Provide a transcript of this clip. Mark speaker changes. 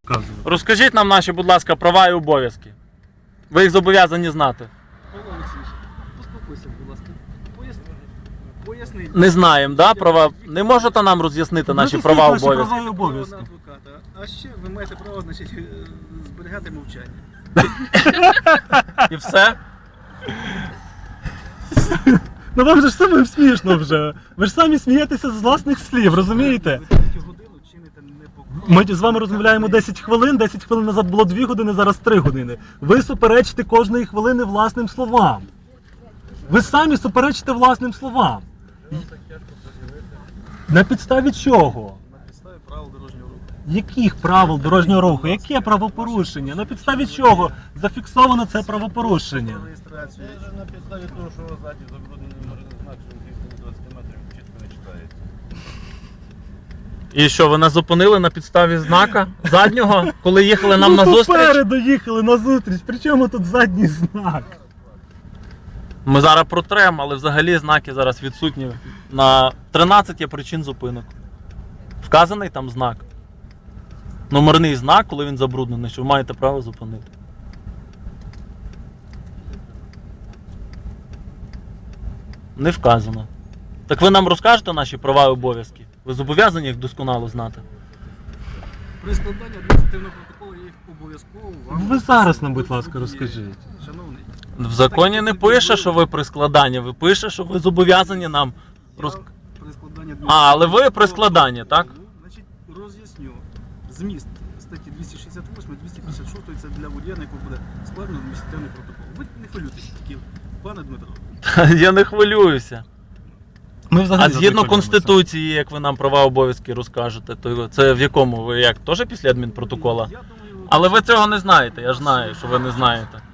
Speaker 1: Розкажіть нам наші, будь ласка, права і обов'язки. Ви їх зобов'язані знати.
Speaker 2: Павло Олексійович, поспілкуйся, будь ласка. Поясни.
Speaker 1: Не знаємо, да, права? Не можете нам роз'яснити наші права і обов'язки?
Speaker 2: Право на адвоката. А ще ви маєте право, значить, зберігати мовчання.
Speaker 1: І все?
Speaker 3: Ну вам же ж самим смішно вже. Ви ж самі смієтеся з власних слів, розумієте?
Speaker 2: Ви третю годину чините непокору.
Speaker 3: Ми з вами розмовляємо 10 хвилин, 10 хвилин назад було 2 години, зараз 3 години. Ви суперечите кожної хвилини власним словам. Ви самі суперечите власним словам. На підставі чого?
Speaker 2: На підставі правил дорожнього руху.
Speaker 3: Яких правил дорожнього руху? Яке правопорушення? На підставі чого зафіксовано це правопорушення?
Speaker 2: Реєстрацію.
Speaker 4: На підставі того, що ззаді забруднений знак, що він 20 метрів чітко не читається.
Speaker 1: І що, ви нас зупинили на підставі знака заднього, коли їхали нам на зустріч?
Speaker 3: Попереду їхали на зустріч, при чому тут задній знак?
Speaker 1: Ми зараз протрем, але взагалі знаки зараз відсутні. На 13 є причин зупинок. Вказаний там знак. Номерний знак, коли він забруднений, що ви маєте право зупинити. Не вказано. Так ви нам розкажете наші права і обов'язки? Ви зобов'язані їх досконало знати?
Speaker 2: При складанні адміністративного протоколу є їх обов'язково вам.
Speaker 3: Ви зараз нам, будь ласка, розкажіть.
Speaker 2: Шановний.
Speaker 1: В законі не пише, що ви при складанні, ви пише, що ви зобов'язані нам
Speaker 2: При складанні
Speaker 1: але ви при складанні, так?
Speaker 2: Значить, роз'ясню. Зміст статті 268, 256 це для водія, на якого буде складено адміністративний протокол. Ви не хвилюйтесь, тільки, пане Дмитро.
Speaker 1: Я не хвилююся.
Speaker 3: Ми взагалі
Speaker 1: А згідно
Speaker 3: задовольнилися.
Speaker 1: Конституції, як ви нам права обов'язки розкажете, то це в якому ви як? Теж після адмінпротокола?
Speaker 2: Я думаю,
Speaker 1: Але ви цього не знаєте, я ж знаю, що ви не знаєте.